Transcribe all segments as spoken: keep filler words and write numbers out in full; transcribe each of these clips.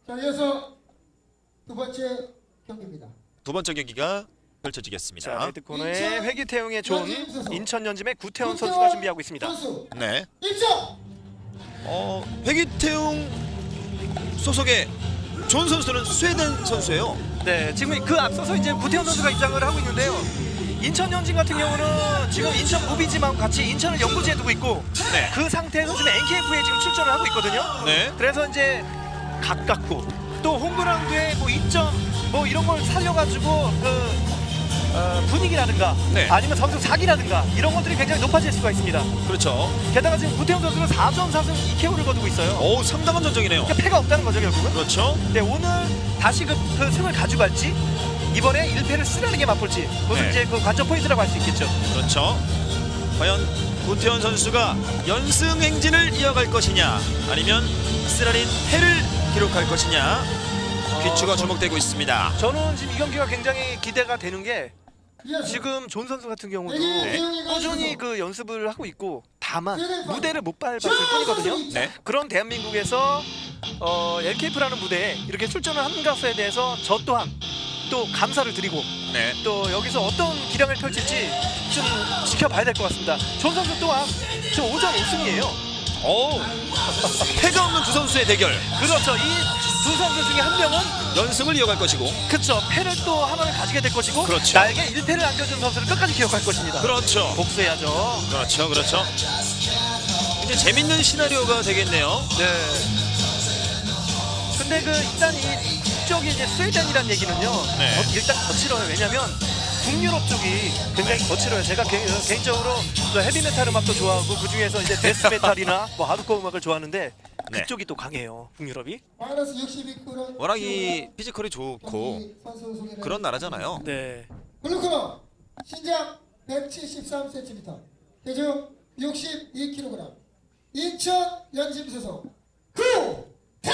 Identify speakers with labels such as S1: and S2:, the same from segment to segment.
S1: 자, 이어서 두 번째 경기입니다.
S2: 두 번째 경기가 펼쳐지겠습니다.
S3: 자, 레드 코너에 회기태용의 존,
S1: 연진 선수.
S3: 인천연짐의 구태원
S1: 구태원
S3: 선수가 준비하고 있습니다.
S1: 선수
S2: 네.
S1: 입장.
S2: 어, 회기태용 소속의 존 선수는 스웨덴 선수예요.
S3: 네, 지금 그 앞서서 이제 구태원 선수가 입장을 하고 있는데요. 인천연진 같은 경우는 지금 인천 무비지만 같이 인천을 연구지에 두고 있고
S2: 네.
S3: 그 상태에서 지금 엔케이에프에 지금 출전을 하고 있거든요.
S2: 네.
S3: 그래서 이제 가깝고 또 홈그라운드에 뭐 이점 뭐 이런 걸 살려가지고 그 어, 분위기라든가
S2: 네.
S3: 아니면 선수 사기라든가 이런 것들이 굉장히 높아질 수가 있습니다.
S2: 그렇죠.
S3: 게다가 지금 구태원 선수는 사 점 사 승 이 케이오를 거두고 있어요.
S2: 오, 상당한 전적이네요.
S3: 그러니까 패가 없다는 거죠 결국은.
S2: 그렇죠.
S3: 네, 오늘 다시 그, 그 승을 가져갈지 이번에 일 패를 쓰라는 게 맛볼지 그것은
S2: 네.
S3: 이제 그 관전 포인트라고 할 수 있겠죠.
S2: 그렇죠. 과연 구태원 선수가 연승 행진을 이어갈 것이냐, 아니면 쓰라린 패를 기록할 것이냐, 귀추가
S3: 어,
S2: 주목되고 있습니다.
S3: 저는 지금 이 경기가 굉장히 기대가 되는 게
S1: 이어서
S3: 지금 존 선수 같은 경우도
S1: 네.
S3: 꾸준히 그 연습을 하고 있고 다만
S1: 네.
S3: 무대를 못 밟았을 뿐이거든요.
S2: 네.
S3: 그런 대한민국에서 어, 엘케이에프라는 무대에 이렇게 출전을 한 것에 대해서 저 또한 또 감사를 드리고
S2: 네.
S3: 또 여기서 어떤 기량을 펼칠지 좀 지켜봐야 될 것 같습니다. 존 선수 또한 지금 오 전 오 승이에요.
S2: 오, 패가 없는 두 선수의 대결.
S3: 그렇죠. 이 두 선수 중에 한 명은
S2: 연승을 이어갈 것이고,
S3: 그렇죠. 패를 또 하나를 가지게 될 것이고
S2: 그렇죠.
S3: 나에게 일 패를 안겨준 선수를 끝까지 기억할 것입니다.
S2: 그렇죠.
S3: 복수해야죠.
S2: 그렇죠, 그렇죠. 이제 재밌는 시나리오가 되겠네요.
S3: 네. 근데 그 일단 이 국적이 이제 스웨덴이란 얘기는요.
S2: 네.
S3: 어, 일단 거칠어요. 왜냐면 북유럽 쪽이 굉장히 거칠어요. 제가 개, 개인적으로 그 헤비메탈 음악도 좋아하고 그 중에서 이제 데스메탈이나 뭐 하드코어 음악을 좋아하는데
S2: 네.
S3: 그쪽이 또 강해요. 북유럽이.
S1: 마이너스 육십이 킬로그램
S2: 워낙 이 피지컬이 좋고 그런 나라잖아요.
S3: 네.
S1: 블루코너 신장 백칠십삼 센티미터,体重육십이 킬로그램, 인천 연짐 소속 구태원.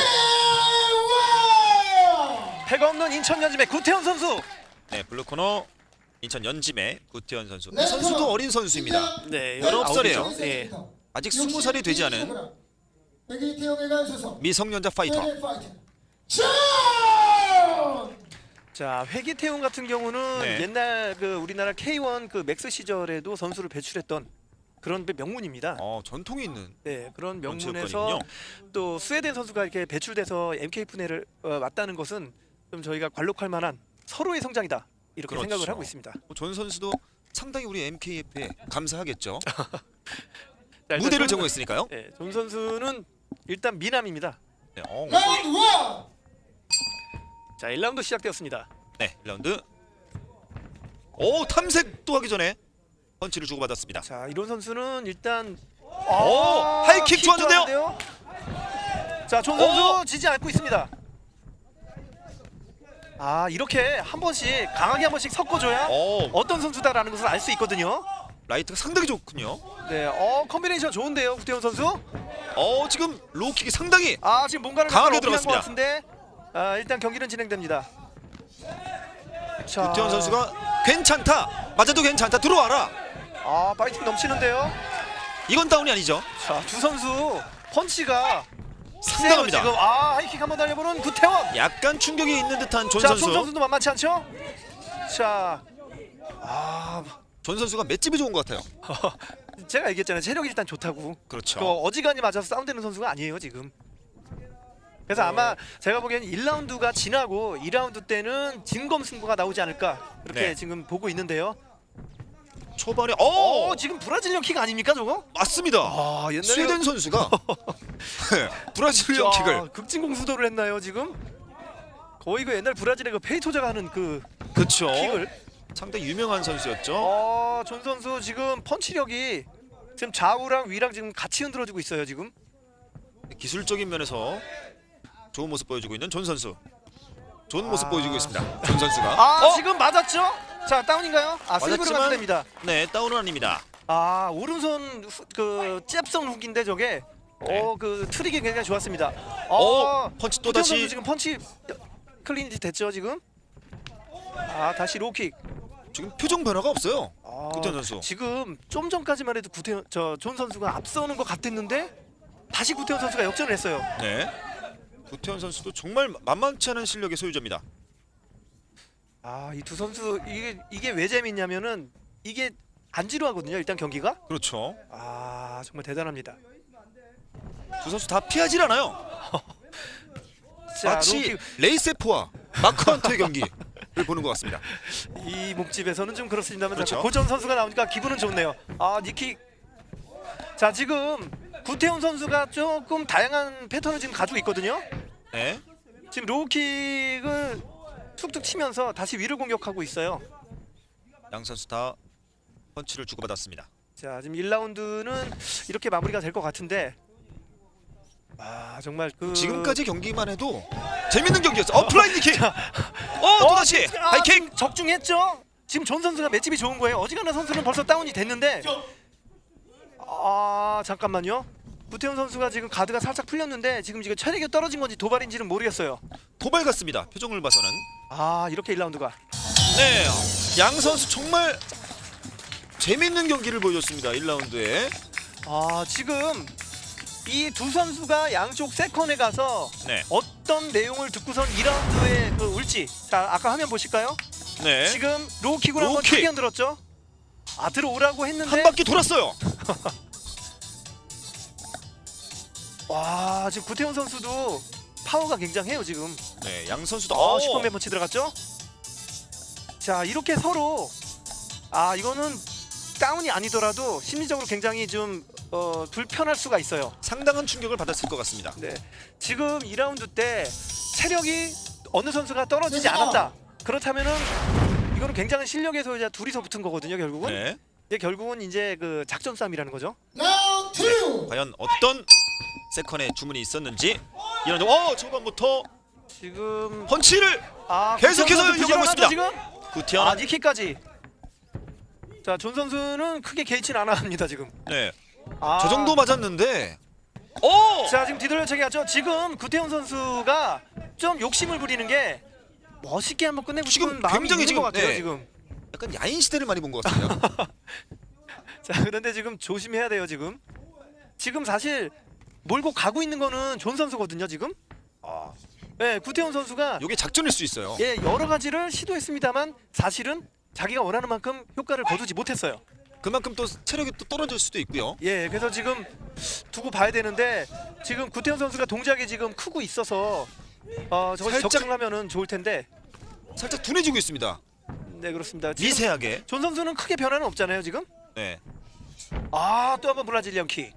S3: 패가 없는 인천연짐의 구태원 선수.
S2: 네, 블루코너 인천 연짐의 구태원 선수. 이
S1: 네,
S2: 선수도
S1: 그럼
S2: 어린 선수입니다.
S3: 네.
S2: 열아홉 살이에요.
S3: 예.
S2: 아직 스무 살이 되지 않은
S1: 백이태용에 간 소속
S2: 미성년자 파이터.
S1: 스웨덴 파이터 존.
S3: 자, 회기태용 같은 경우는
S2: 네.
S3: 옛날 그 우리나라 케이원 그 맥스 시절에도 선수를 배출했던 그런 명문입니다.
S2: 어, 전통이 있는.
S3: 네, 그런
S2: 그런
S3: 명문에서
S2: 체육관이군요.
S3: 또 스웨덴 선수가 이렇게 배출돼서 엠케이에프를 어, 맞다는 것은 좀 저희가 관록할 만한 서로의 성장이다 이렇게
S2: 그렇죠.
S3: 생각을 하고 있습니다.
S2: 뭐 존 선수도 상당히 우리 엠케이에프에 감사하겠죠.
S3: 자, 일단
S2: 무대를
S3: 존-
S2: 제공했으니까요.
S3: 네, 존 선수는 일단 미남입니다.
S2: 네, 어,
S1: 라운드 원.
S3: 자, 일 라운드 시작되었습니다.
S2: 네, 일 라운드. 오, 탐색도 하기 전에 펀치를 주고받았습니다.
S3: 자, 이런 선수는 일단
S2: 오, 하이킥
S3: 킥
S2: 좋았는데요?
S3: 좋았는데요? 자, 존 선수
S2: 오!
S3: 지지 않고 있습니다. 아, 이렇게 한 번씩 강하게 한 번씩 섞어줘야
S2: 오,
S3: 어떤 선수다라는 것을 알 수 있거든요.
S2: 라이트가 상당히 좋군요.
S3: 네, 어 컨비네이션 좋은데요, 구태원 선수.
S2: 어, 지금 로우킥이 상당히
S3: 아, 지금 뭔가를
S2: 강하게
S3: 약간 어필한 것
S2: 들어갔습니다.
S3: 같은데, 아, 일단 경기는 진행됩니다. 자,
S2: 구태원 선수가 괜찮다, 맞아도 괜찮다, 들어와라.
S3: 아, 파이팅 넘치는데요.
S2: 이건 다운이 아니죠.
S3: 자, 두 선수 펀치가
S2: 상당합니다.
S3: 세요, 지금 아, 하이킥 한번 달려보는 구태원.
S2: 약간 충격이 있는 듯한 존
S3: 자,
S2: 선수.
S3: 존 선수도 만만치 않죠? 자, 아,
S2: 존 선수가 맷집이 좋은 것 같아요.
S3: 제가 얘기했잖아요. 체력이 일단 좋다고.
S2: 그렇죠.
S3: 그 어지간히 맞아서 다운되는 선수가 아니에요 지금. 그래서 아마 제가 보기에는 일 라운드가 지나고 이 라운드 때는 진검 승부가 나오지 않을까 그렇게
S2: 네.
S3: 지금 보고 있는데요.
S2: 초반에
S3: 어,
S2: 어,
S3: 지금 브라질리언 킥 아닙니까 저거?
S2: 맞습니다.
S3: 아, 옛날에
S2: 스웨덴 선수가 브라질리언 킥을.
S3: 극진공수도를 했나요 지금? 거의 그 옛날 브라질의 그 페이토자가 하는 그
S2: 그렇죠.
S3: 킥을.
S2: 상당히 유명한 선수였죠.
S3: 어, 존 선수 지금 펀치력이 지금 좌우랑 위랑 지금 같이 흔들어주고 있어요 지금.
S2: 기술적인 면에서 좋은 모습 보여주고 있는 존 선수. 좋은 모습
S3: 아.
S2: 보여주고 있습니다. 존 선수가.
S3: 아,
S2: 어?
S3: 지금 맞았죠? 자, 다운인가요? 아, 슬리브로
S2: 맞았지만-
S3: 감됩니다.
S2: 네, 다운은 아닙니다.
S3: 아, 오른손 후, 그 잽성 훅인데 저게
S2: 네.
S3: 어, 그 트릭이 굉장히 좋았습니다.
S2: 어,
S3: 어,
S2: 펀치 또
S3: 구태원
S2: 다시.
S3: 선수 지금 펀치 클린이 됐죠, 지금? 아, 다시 로킥.
S2: 지금 표정 변화가 없어요.
S3: 아,
S2: 구태원 선수.
S3: 지금 좀 전까지만 해도 구태원 저존 선수가 앞서는 것 같았는데 다시 구태원 선수가 역전을 했어요.
S2: 네. 구태현 선수도 정말 만만치 않은 실력의 소유자입니다.
S3: 아, 이 두 선수 이게 이게 왜 재밌냐면은 이게 안 지루하거든요. 일단 경기가.
S2: 그렇죠.
S3: 아, 정말 대단합니다.
S2: 두 선수 다 피하질 않아요.
S3: 자,
S2: 마치
S3: 로키,
S2: 레이세프와 마크 헌터의 경기를 보는 것 같습니다.
S3: 이 목집에서는 좀 그렇습니다만
S2: 그렇죠.
S3: 자꾸 고전 선수가 나오니까 기분은 좋네요. 아, 니킥. 자, 지금 구태훈 선수가 조금 다양한 패턴을 지금 가지고 있거든요.
S2: 네.
S3: 지금 로우킥을 툭툭 치면서 다시 위를 공격하고 있어요.
S2: 양 선수 다 펀치를 주고받았습니다.
S3: 자, 지금 일 라운드는 이렇게 마무리가 될 것 같은데, 아, 정말 그
S2: 지금까지 경기만 해도 재밌는 경기였어. 어, 플라잉 니킥. 어, 또다시
S3: 아,
S2: 하이킥.
S3: 지금 적중했죠. 지금 존 선수가 맷집이 좋은 거예요. 어지간한 선수는 벌써 다운이 됐는데, 아, 잠깐만요. 구태훈 선수가 지금 가드가 살짝 풀렸는데 지금 지금 체력이 떨어진 건지 도발인지는 모르겠어요.
S2: 도발 같습니다. 표정을 봐서는.
S3: 아, 이렇게 일 라운드가.
S2: 네. 양 선수 정말 재밌는 경기를 보여줬습니다. 일 라운드에.
S3: 아, 지금 이 두 선수가 양쪽 세컨에 가서
S2: 네.
S3: 어떤 내용을 듣고선 이 라운드에 그 울지. 자, 아까 화면 보실까요?
S2: 네.
S3: 지금 로우킥으로 한번
S2: 로우킥.
S3: 크게 흔들었죠. 아, 들어오라고 했는데
S2: 한 바퀴 돌았어요.
S3: 와, 지금 구태훈 선수도 파워가 굉장해요 지금.
S2: 네, 양 선수도
S3: 아,
S2: 어,
S3: 슈퍼맨 펀치 들어갔죠? 자, 이렇게 서로 아, 이거는 다운이 아니더라도 심리적으로 굉장히 좀 어, 불편할 수가 있어요.
S2: 상당한 충격을 받았을 것 같습니다.
S3: 네, 지금 이 라운드 때 체력이 어느 선수가 떨어지지
S1: 네.
S3: 않았다. 그렇다면은 이거는 굉장한 실력의 소유자 둘이서 붙은 거거든요. 결국은
S2: 네.
S3: 이게 결국은 이제 그 작전 싸움이라는 거죠.
S1: 라운드 투.
S2: 과연 어떤 세컨의 주문이 있었는지 이런 어 초반부터
S3: 지금
S2: 펀치를
S3: 아,
S2: 계속해서
S3: 구태현 선수
S2: 이용하고 있습니다.
S3: 지금
S2: 구태현.
S3: 아, 니킥까지. 자, 존 선수는 크게 개의치는 않아 합니다 지금.
S2: 네.
S3: 아,
S2: 저 정도 맞았는데. 오!
S3: 자, 지금 뒤돌려차기 하죠. 지금 구태훈 선수가 좀 욕심을 부리는 게 멋있게 한번 끝내고
S2: 지금
S3: 싶은 마음이
S2: 굉장히
S3: 있는
S2: 지금,
S3: 것 같아요
S2: 네.
S3: 지금.
S2: 약간 야인 시대를 많이 본 것 같습니다.
S3: 자, 그런데 지금 조심해야 돼요 지금. 지금 사실 몰고 가고 있는 거는 존 선수거든요 지금.
S2: 아,
S3: 네, 구태훈 선수가
S2: 이게 작전일 수 있어요.
S3: 예, 여러 가지를 시도했습니다만 사실은 자기가 원하는 만큼 효과를 거두지 못했어요.
S2: 그만큼 또 체력이 또 떨어질 수도 있고요.
S3: 예, 그래서 지금 두고 봐야 되는데 지금 구태훈 선수가 동작이 지금 크고 있어서 어, 저걸
S2: 살짝-
S3: 적중하면은 좋을 텐데.
S2: 살짝 둔해지고 있습니다.
S3: 네, 그렇습니다. 지금
S2: 미세하게.
S3: 존 선수는 크게 변화는 없잖아요 지금.
S2: 네.
S3: 아, 또 한번 브라질리언 킥.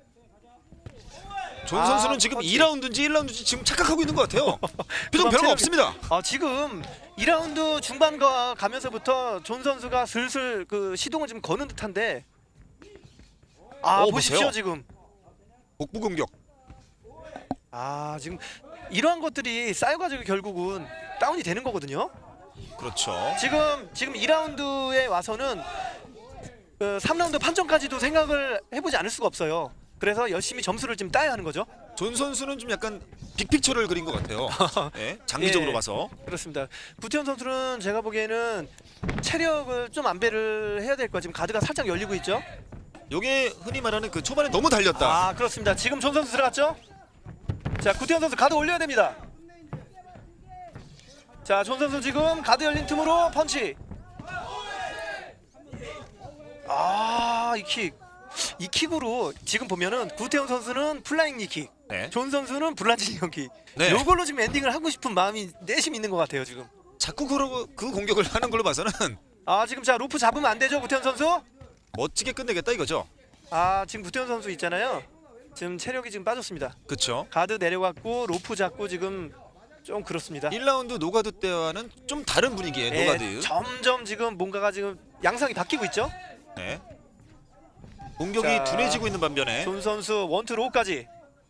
S2: 존
S3: 아,
S2: 선수는 지금
S3: 펀치.
S2: 이 라운드인지 일 라운드인지 지금 착각하고 있는 것 같아요.
S3: 그만
S2: 표정 변화가
S3: 체력이-
S2: 없습니다.
S3: 아, 지금 이 라운드 중반과 가면서부터 존 선수가 슬슬 그 시동을 좀 거는 듯한데. 아,
S2: 어,
S3: 보십시오
S2: 보세요.
S3: 지금.
S2: 복부 공격.
S3: 아, 지금 이러한 것들이 쌓여가지고 결국은 다운이 되는 거거든요.
S2: 그렇죠.
S3: 지금 지금 이 라운드에 와서는 그 삼 라운드 판정까지도 생각을 해보지 않을 수가 없어요. 그래서 열심히 점수를 좀 따야 하는 거죠.
S2: 존 선수는 좀 약간 빅픽처를 그린 것 같아요. 네, 장기적으로
S3: 예.
S2: 봐서.
S3: 그렇습니다. 구태현 선수는 제가 보기에는 체력을 좀 안배를 해야 될 거예요. 지금 가드가 살짝 열리고 있죠.
S2: 요게 흔히 말하는 그 초반에 너무 달렸다.
S3: 아, 그렇습니다. 지금 존 선수 들어갔죠. 자, 구태현 선수 가드 올려야 됩니다. 자, 존 선수 지금 가드 열린 틈으로 펀치. 아, 이 킥. 이 킥으로 지금 보면은 구태현 선수는 플라잉 니킥,
S2: 네.
S3: 존 선수는 브라질리언 킥.
S2: 네.
S3: 요걸로 지금 엔딩을 하고 싶은 마음이 내심 있는 것 같아요 지금.
S2: 자꾸 그, 그 공격을 하는 걸로 봐서는
S3: 아, 지금 자 로프 잡으면 안 되죠 구태현 선수.
S2: 멋지게 끝내겠다 이거죠.
S3: 아, 지금 구태현 선수 있잖아요. 지금 체력이 지금 빠졌습니다.
S2: 그렇죠.
S3: 가드 내려갔고 로프 잡고 지금 좀 그렇습니다.
S2: 일 라운드 노가드 때와는 좀 다른 분위기의
S3: 예,
S2: 노가드.
S3: 점점 지금 뭔가가 지금 양상이 바뀌고 있죠.
S2: 네. 공격이
S3: 자,
S2: 둔해지고 있는 반면에
S3: 존 선수 원투 로우까지.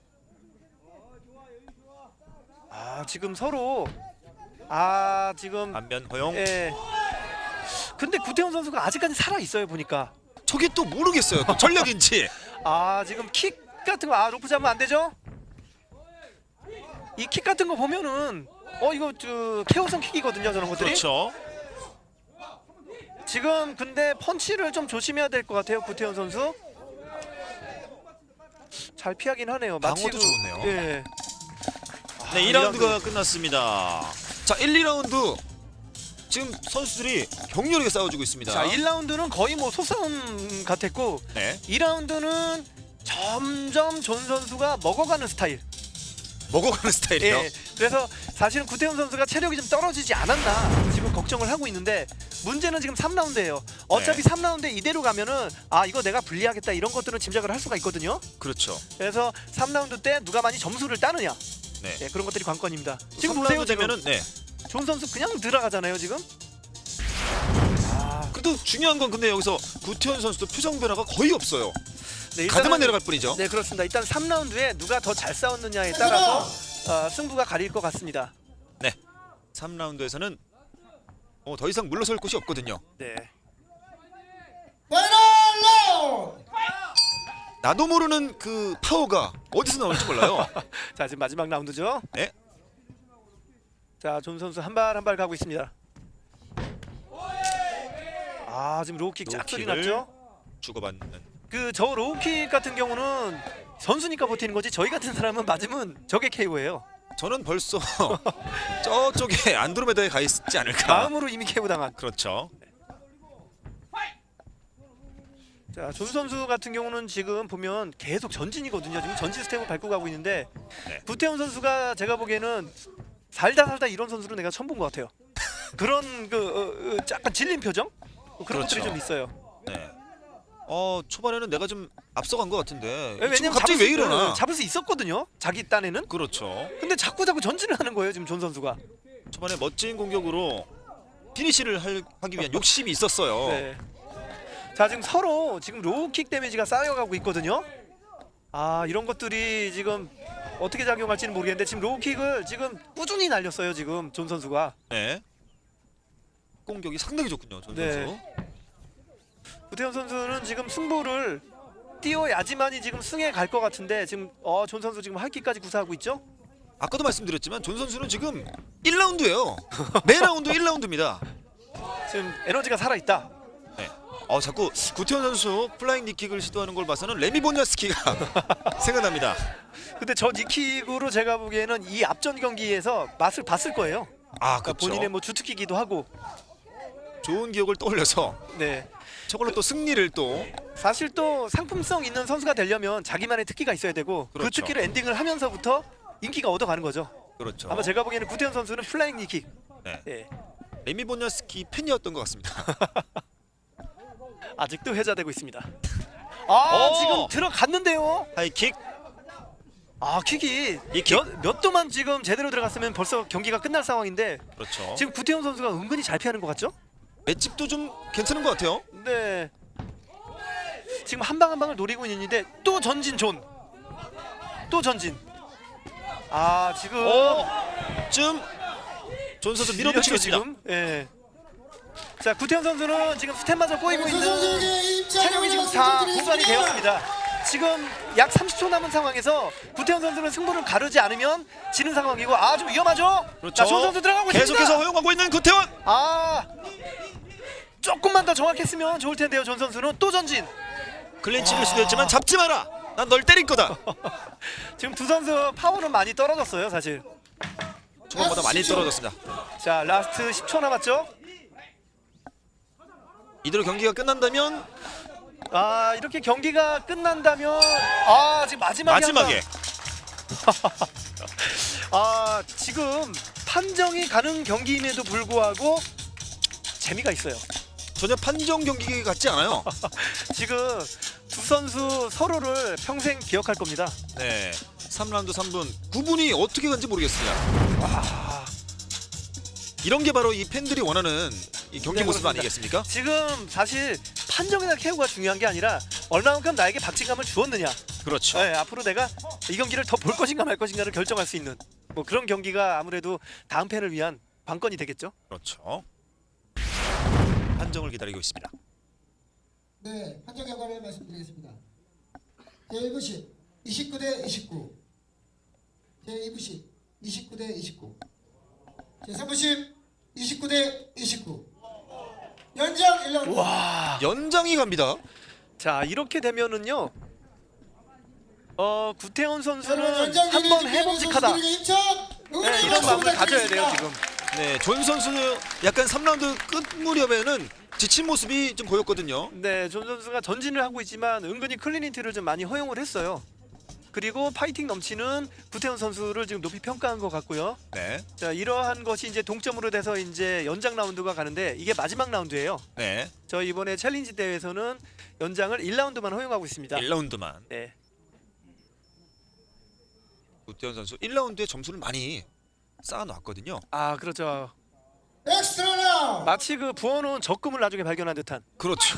S3: 아, 지금 서로 아 지금
S2: 반면 허용.
S3: 예. 근데 구태훈 선수가 아직까지 살아 있어요 보니까.
S2: 저게 또 모르겠어요. 또 전력인지.
S3: 아, 지금 킥 같은 거, 아 로프 잡으면 안 되죠? 이 킥 같은 거 보면은 어 이거 저 케어성 킥이거든요 저런 것들이.
S2: 그렇죠.
S3: 지금 근데 펀치를 좀 조심해야 될 것 같아요 구태현 선수. 잘 피하긴 하네요. 마치
S2: 방어도
S3: 그-
S2: 좋네요.
S3: 예.
S2: 네, 이 라운드가 끝났습니다. 자, 일, 이 라운드 지금 선수들이 격렬하게 싸워주고 있습니다.
S3: 자, 일 라운드는 거의 뭐 소싸움 같았고
S2: 네,
S3: 이 라운드는 점점 존 선수가 먹어가는 스타일.
S2: 먹어가는 스타일이요.
S3: 예, 그래서 사실은 구태훈 선수가 체력이 좀 떨어지지 않았나 지금 걱정을 하고 있는데 문제는 지금 삼 라운드예요. 어차피
S2: 네.
S3: 삼 라운드 이대로 가면은 아 이거 내가 불리하겠다 이런 것들은 짐작을 할 수가 있거든요.
S2: 그렇죠.
S3: 그래서 삼 라운드 때 누가 많이 점수를 따느냐
S2: 네.
S3: 예, 그런 것들이 관건입니다. 지금
S2: 지금
S3: 보세요.
S2: 라운드
S3: 지금
S2: 되면은 네.
S3: 존 선수 그냥 들어가잖아요 지금. 아,
S2: 그래도 중요한 건 근데 여기서 구태현 선수도 표정 변화가 거의 없어요.
S3: 네,
S2: 가드만
S3: 일단은-
S2: 내려갈 뿐이죠.
S3: 네 그렇습니다. 일단 삼 라운드에 누가 더 잘 싸웠느냐에 따라서 어, 승부가 가릴 것 같습니다.
S2: 네. 삼 라운드에서는 어, 더 이상 물러설 곳이 없거든요.
S3: 네.
S1: 파이널 라운드.
S2: 나도 모르는 그 파워가 어디서 나올지 몰라요.
S3: 자 지금 마지막 라운드죠.
S2: 네.
S3: 자 존 선수 한 발 한 발 가고 있습니다. 아 지금 로우킥 쫙 소리
S2: 로우킥을
S3: 났죠.
S2: 주고받는.
S3: 그 저 로우킥 같은 경우는 선수니까 버티는 거지 저희 같은 사람은 맞으면 저게 케이오예요.
S2: 저는 벌써 저쪽에 안드로메다에 가 있지 않을까.
S3: 마음으로 이미 케이오 당한.
S2: 그렇죠.
S3: 자 존 선수 같은 경우는 지금 보면 계속 전진이거든요. 지금 전진 스텝을 밟고 가고 있는데
S2: 네.
S3: 구태훈 선수가 제가 보기에는 살다 살다 이런 선수를 내가 처음 본 것 같아요. 그런 그 어, 어, 약간 질린 표정 뭐 그런
S2: 그렇죠.
S3: 것들이 좀 있어요.
S2: 네. 어 초반에는 내가 좀 앞서간 것 같은데 지금
S3: 왜냐면
S2: 갑자기
S3: 잡을
S2: 왜
S3: 수-
S2: 이러나?
S3: 잡을 수 있었거든요. 자기 딴에는.
S2: 그렇죠.
S3: 근데 자꾸 자꾸 전진을 하는 거예요 지금 존 선수가.
S2: 초반에 멋진 공격으로 피니시를 할, 하기 위한 욕심이 있었어요.
S3: 네. 자 지금 서로 지금 로우킥 데미지가 쌓여가고 있거든요. 아 이런 것들이 지금 어떻게 작용할지는 모르겠는데 지금 로우킥을 지금 꾸준히 날렸어요 지금 존 선수가.
S2: 네. 공격이 상당히 좋군요, 전
S3: 네.
S2: 선수.
S3: 구태현 선수는 지금 승부를 띄워야지만이 지금 승에 갈 것 같은데 지금 어, 존 선수 지금 할기까지 구사하고 있죠.
S2: 아까도 말씀드렸지만 존 선수는 지금 일 라운드예요. 매 라운드 일 라운드입니다.
S3: 지금 에너지가 살아있다.
S2: 네. 어 자꾸 구태현 선수 플라잉 니킥을 시도하는 걸 봐서는 레미 보냐스키가 생각납니다.
S3: 근데 저 니킥으로 제가 보기에는 이 앞전 경기에서 맛을 봤을 거예요.
S2: 아,
S3: 그러니까
S2: 그렇죠.
S3: 본인의 뭐 주특기기도 하고.
S2: 좋은 기억을 떠올려서
S3: 네.
S2: 저걸로 또 승리를 또
S3: 사실 또 상품성 있는 선수가 되려면 자기만의 특기가 있어야 되고 그
S2: 그렇죠.
S3: 특기를 엔딩을 하면서부터 인기가 얻어가는 거죠.
S2: 그렇죠.
S3: 아마 제가 보기에는 구태현 선수는 플라잉 니킥.
S2: 네.
S3: 예.
S2: 레미 보냐스키 팬이었던 것 같습니다.
S3: 아직도 회자되고 있습니다. 아
S2: 오!
S3: 지금 들어갔는데요.
S2: 하이킥.
S3: 아 킥이
S2: 이 킥.
S3: 몇, 몇 도만 지금 제대로 들어갔으면 벌써 경기가 끝날 상황인데
S2: 그렇죠.
S3: 지금 구태훈 선수가 은근히 잘 피하는 것 같죠?
S2: 맷집도 좀 괜찮은 것 같아요.
S3: 네. 지금 한 방 한 방을 노리고 있는데 또 전진 존. 또 전진. 아 지금
S2: 어, 좀 존 선수 밀어붙이고 있습니다.
S3: 지금. 예. 자 구태훈 선수는 지금 스텝마저 꼬이고 있는
S1: 선수에게
S3: 체력이 지금 다 고갈이 되었습니다. 지금 약 삼십 초 남은 상황에서 구태훈 선수는 승부를 가르지 않으면 지는 상황이고 아 좀 위험하죠?
S2: 그렇죠.
S3: 자, 존 선수 들어가고 있습니다.
S2: 계속해서 허용하고 있는 구태원.
S3: 아 조금만 더 정확했으면 좋을 텐데요. 존 선수는 또 전진.
S2: 클린치를 시도했지만 잡지 마라. 난 널 때릴 거다.
S3: 지금 두 선수 파워는 많이 떨어졌어요, 사실.
S2: 초반보다 많이 떨어졌습니다.
S3: 자, 라스트 십 초 남았죠?
S2: 이대로 경기가 끝난다면
S3: 아, 이렇게 경기가 끝난다면 아, 지금 마지막에
S2: 마지막에
S3: 한번- 아, 지금 판정이 가는 경기임에도 불구하고 재미가 있어요.
S2: 전혀 판정 경기 같지 않아요.
S3: 지금 두 선수 서로를 평생 기억할 겁니다.
S2: 네. 삼 라운드 삼 분 구 분이 어떻게 간지 모르겠습니다.
S3: 와,
S2: 이런 게 바로 이 팬들이 원하는 이 경기
S3: 네,
S2: 모습
S3: 그렇습니다.
S2: 아니겠습니까?
S3: 지금 사실 판정이나 케어가 중요한 게 아니라 얼마만큼 나에게 박진감을 주었느냐.
S2: 그렇죠.
S3: 네, 앞으로 내가 이 경기를 더 볼 것인가 말 것인가를 결정할 수 있는 뭐 그런 경기가 아무래도 다음 팬을 위한 관건이 되겠죠.
S2: 그렇죠. 판정을 기다리고 있습니다.
S1: 네, 판정 결과를 말씀드리겠습니다. 제일 부씩 이십구 대 이십구, 제이 부씩 이십구 대 이십구, 제삼 부씩 이십구 대 이십구. 연장 일 라운드.
S3: 와,
S2: 연장이 갑니다.
S3: 자 이렇게 되면은요, 어 구태현
S1: 여러분,
S3: 선수는
S1: 연장
S3: 한번
S1: 기회를
S3: 해봄직하다.
S1: 선수들에게 힘찬
S3: 네, 이런 마음을 가져야 돼요 지금.
S2: 네, 존 선수 약간 삼 라운드 끝 무렵에는 지친 모습이 좀 보였거든요.
S3: 네, 존 선수가 전진을 하고 있지만 은근히 클리니티를 좀 많이 허용을 했어요. 그리고 파이팅 넘치는 구태훈 선수를 지금 높이 평가한 것 같고요.
S2: 네,
S3: 자, 이러한 것이 이제 동점으로 돼서 이제 연장 라운드가 가는데 이게 마지막 라운드예요.
S2: 네,
S3: 저 이번에 챌린지 대회에서는 연장을 일 라운드만 허용하고 있습니다.
S2: 일 라운드만.
S3: 네.
S2: 구태현 선수 일 라운드에 점수를 많이 쌓아놨거든요.
S3: 아, 그렇죠.
S1: 엑스트라 라운드.
S3: 마치 그 부어놓은 적금을 나중에 발견한 듯한.
S2: 그렇죠.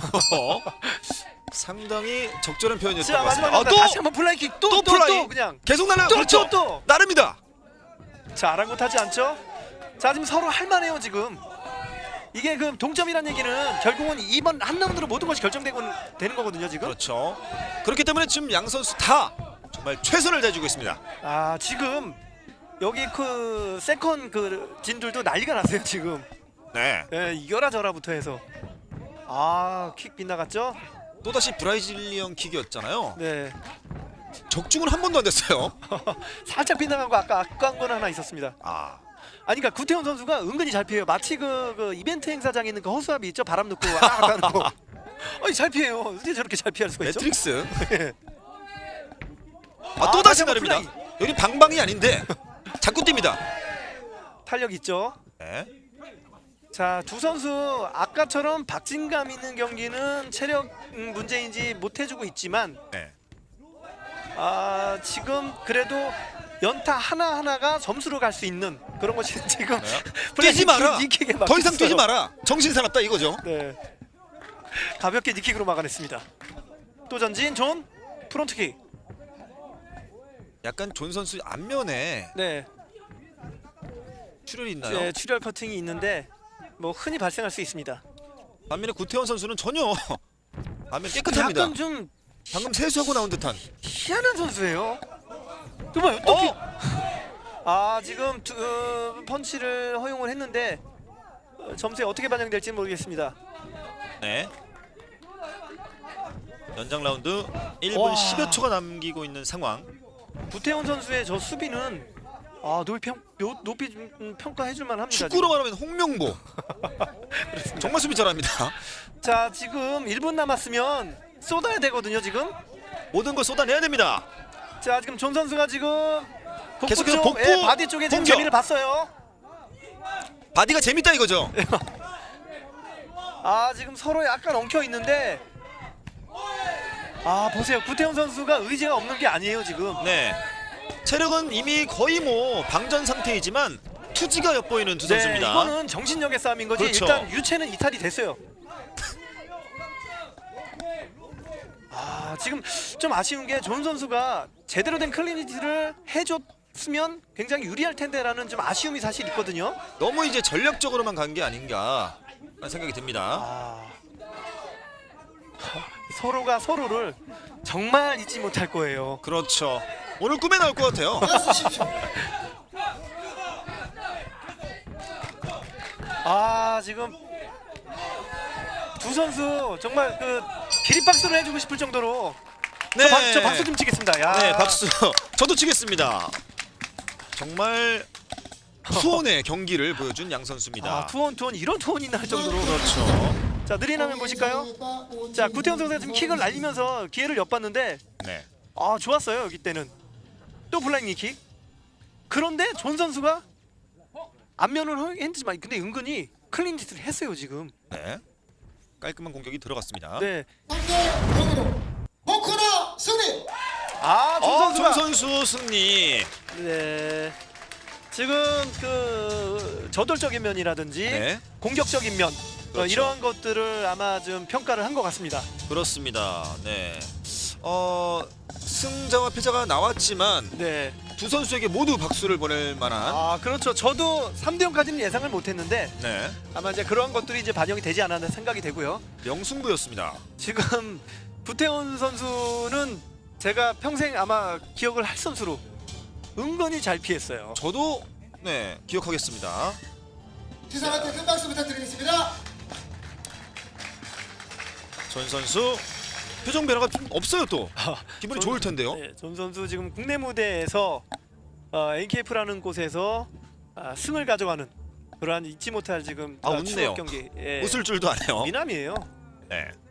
S2: 상당히 적절한 표현이었던
S3: 자,
S2: 것
S3: 마지막
S2: 같습니다. 아,
S3: 라운드
S2: 또
S3: 다시 한번 플라이킥 또
S2: 또
S3: 또 또
S2: 플라이.
S3: 그냥
S2: 계속 날아요.
S3: 또,
S2: 그렇죠.
S3: 또, 또.
S2: 나릅니다.
S3: 자, 아랑곳하지 않죠? 자, 지금 서로 할만해요 지금. 이게 그 동점이라는 얘기는 결국은 이번 한 라운드로 모든 것이 결정되고 되는 거거든요 지금.
S2: 그렇죠. 그렇기 때문에 지금 양 선수 다 정말 최선을 다해주고 있습니다.
S3: 아, 지금 여기 그 세컨 그 진들도 난리가 났어요 지금.
S2: 네.
S3: 예, 이겨라 저라부터 해서. 아, 킥 빗나갔죠?
S2: 또다시 브라질리언 킥이었잖아요.
S3: 네.
S2: 적중은 한 번도 안 됐어요.
S3: 살짝 빗나간 거 아까 아까운 건 하나 있었습니다.
S2: 아,
S3: 아니 그러니까 구태훈 선수가 은근히 잘 피해요. 마치 그, 그 이벤트 행사장에 있는 그 허수아비 있죠? 바람 넣고 아 하는 거. 아니 잘 피해요. 어떻게 저렇게 잘 피할 수가 있죠?
S2: 매트릭스.
S3: 예.
S2: 아, 또 다시
S3: 다시 한번
S2: 나릅니다. 여기 방방이 아닌데 자꾸 뜁니다.
S3: 탄력 있죠?
S2: 네.
S3: 자, 두 선수 아까처럼 박진감 있는 경기는 체력 음, 문제인지 못 해주고 있지만
S2: 네.
S3: 아, 지금 그래도 연타 하나 하나가 점수로 갈 수 있는 그런 것이 지금
S2: 네.
S3: 플레이
S2: 뛰지 마라.
S3: 니킥에
S2: 더 이상
S3: 막혔어요.
S2: 뛰지 마라. 정신 사납다 이거죠.
S3: 네. 가볍게 니킥으로 막아냈습니다. 또 전진 존 프론트킥.
S2: 약간 존 선수 앞면에
S3: 네.
S2: 출혈이 있나요?
S3: 네, 출혈 커팅이 있는데 뭐 흔히 발생할 수 있습니다.
S2: 반면에 구태원 선수는 전혀 반면 깨끗합니다.
S3: 약간 좀
S2: 방금 세수하고 나온 듯한.
S3: 희한한 선수예요. 정말 또 피...
S2: 어?
S3: 아, 지금 두, 어, 펀치를 허용을 했는데 어, 점수에 어떻게 반영될지 모르겠습니다.
S2: 네. 연장 라운드 일 분
S3: 와.
S2: 십여 초가 남기고 있는 상황.
S3: 구태훈 선수의 저 수비는 아, 높이, 평, 요- 높이 좀, 음, 평가해줄만 합니다.
S2: 축구로 말하면 홍명보. 정말 수비 잘합니다.
S3: 지금. 자, 지금 일 분 남았으면 쏟아야 되거든요 지금.
S2: 모든 걸 쏟아내야 됩니다.
S3: 자, 지금 존 선수가 지금 복부
S2: 계속해서
S3: 쪽,
S2: 복부
S3: 예, 바디 쪽에 지금
S2: 공격.
S3: 재미를 봤어요.
S2: 바디가 재밌다 이거죠.
S3: 아, 지금 서로 약간 엉켜 있는데 아, 보세요. 구태훈 선수가 의지가 없는 게 아니에요 지금.
S2: 네. 체력은 이미 거의 뭐 방전 상태이지만 투지가 엿보이는 두
S3: 네,
S2: 선수입니다.
S3: 이거는 정신력의 싸움인 거지.
S2: 그렇죠.
S3: 일단 유체는 이탈이 됐어요. 아, 지금 좀 아쉬운 게 존 선수가 제대로 된 클리니티를 해줬으면 굉장히 유리할 텐데라는 좀 아쉬움이 사실 있거든요.
S2: 너무 이제 전략적으로만 간 게 아닌가 라는 생각이 듭니다.
S3: 아, 서로가 서로를 정말 잊지 못할 거예요.
S2: 그렇죠. 오늘 꿈에 나올 것 같아요.
S1: 하십시오.
S3: 아, 지금 두 선수 정말 그 기립박수를 해주고 싶을 정도로
S2: 네.
S3: 저, 박, 저 박수 좀 치겠습니다. 야.
S2: 네, 박수. 저도 치겠습니다. 정말 투혼의 경기를 보여준 양 선수입니다.
S3: 아, 투원 투원 이런 투원이 날 정도로.
S2: 그렇죠.
S3: 자, 느린 화면 보실까요? 자, 구태훈 선수가 지금 킥을 날리면서 기회를 엿봤는데
S2: 네.
S3: 아, 좋았어요 여기 때는. 또 블라인드 킥. 그런데 존 선수가 앞면을 허용했지만 근데 은근히 클린 짓을 했어요 지금.
S2: 네. 깔끔한 공격이 들어갔습니다.
S3: 네.
S1: 상대 경기로 호쿠나 승리.
S3: 아, 존
S2: 어,
S3: 선수가.
S2: 존 선수 승리.
S3: 네. 지금 그 저돌적인 면이라든지
S2: 네.
S3: 공격적인 면
S2: 그렇죠.
S3: 어, 이러한 것들을 아마 좀 평가를 한 것 같습니다.
S2: 그렇습니다. 네. 어, 승자와 패자가 나왔지만
S3: 네.
S2: 두 선수에게 모두 박수를 보낼 만한
S3: 아, 그렇죠. 저도 삼 대 영까지는 예상을 못했는데
S2: 네.
S3: 아마 이제 그런 것들이 이제 반영이 되지 않았나 생각이 되고요.
S2: 명승부였습니다.
S3: 지금 구태훈 선수는 제가 평생 아마 기억을 할 선수로 은근히 잘 피했어요.
S2: 저도 네, 기억하겠습니다.
S1: 두 사람한테 큰 박수 부탁드리겠습니다.
S2: 전 선수 표정 변화가 좀 없어요 또. 기분이
S3: 존-
S2: 좋을 텐데요.
S3: 네, 존 선수 지금 국내 무대에서 어, 엔케이프라는 곳에서 아, 승을 가져가는 그러한 잊지 못할 지금
S2: 아,
S3: 아,
S2: 웃네요.
S3: 추억 경기. 예.
S2: 웃을 줄도 아네요.
S3: 미남이에요.
S2: 네.